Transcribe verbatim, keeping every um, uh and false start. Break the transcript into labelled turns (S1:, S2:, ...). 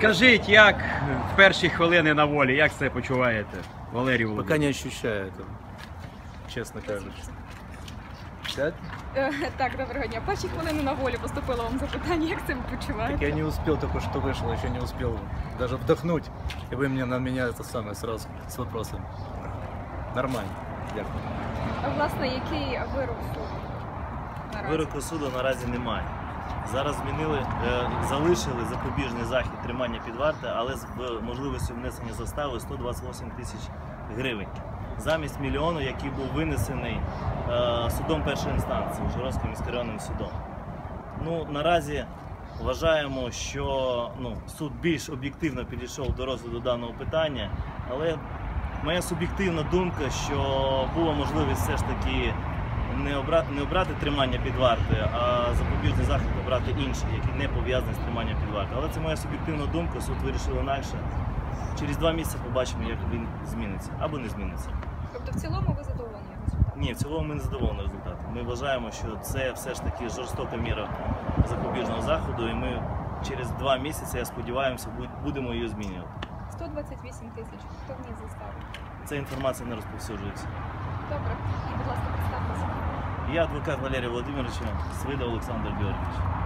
S1: Скажіть, як в перші хвилини на волі, як себе почуваєте, Валерій
S2: Пока
S1: Володимирович?
S2: не ощущаю этого, честно кажучи. Сядь?
S3: Е, Так, доброго дня. Перші хвилини на волі поступило вам запитання, як себе
S2: Так
S3: почуваєте?
S2: я не успел, только что вышел, еще не успел даже вдохнуть. И вы мне на меня это самое сразу с вопросом. Нормально. Дякую.
S3: А, Власне, який вирок суду наразі?
S4: Вироку суду наразі немає. Зараз змінили, е, залишили запобіжний захід тримання під вартою, але з в- можливістю внесення застави сто двадцять вісім тисяч гривень. Замість мільйону, який був винесений е, судом першої інстанції, Ужгородським міськрайонним судом. Ну, наразі вважаємо, що ну, суд більш об'єктивно підійшов до розгляду даного питання, але моя суб'єктивна думка, що була можливість все ж таки не обрати, не обрати тримання під вартою, а запобіжний захід обрати інший, який не пов'язаний з триманням під вартою. Але це моя суб'єктивна думка, суд вирішив інакше. Через два місяці побачимо, як він зміниться або не зміниться.
S3: Тобто в цілому ви задоволені результатом?
S4: Ні, в цілому ми не задоволені результатом. Ми вважаємо, що це все ж таки жорстока міра запобіжного заходу, і ми через два місяці, я сподіваюся, будемо її змінювати.
S3: сто двадцять вісім тисяч. Хто вніс заставу?
S4: Ця інформація не розповсюджується.
S3: Добре. І, будь ласка, представтеся.
S4: Я адвокат Валерія Володимировича, Свида Олександр Георгійович.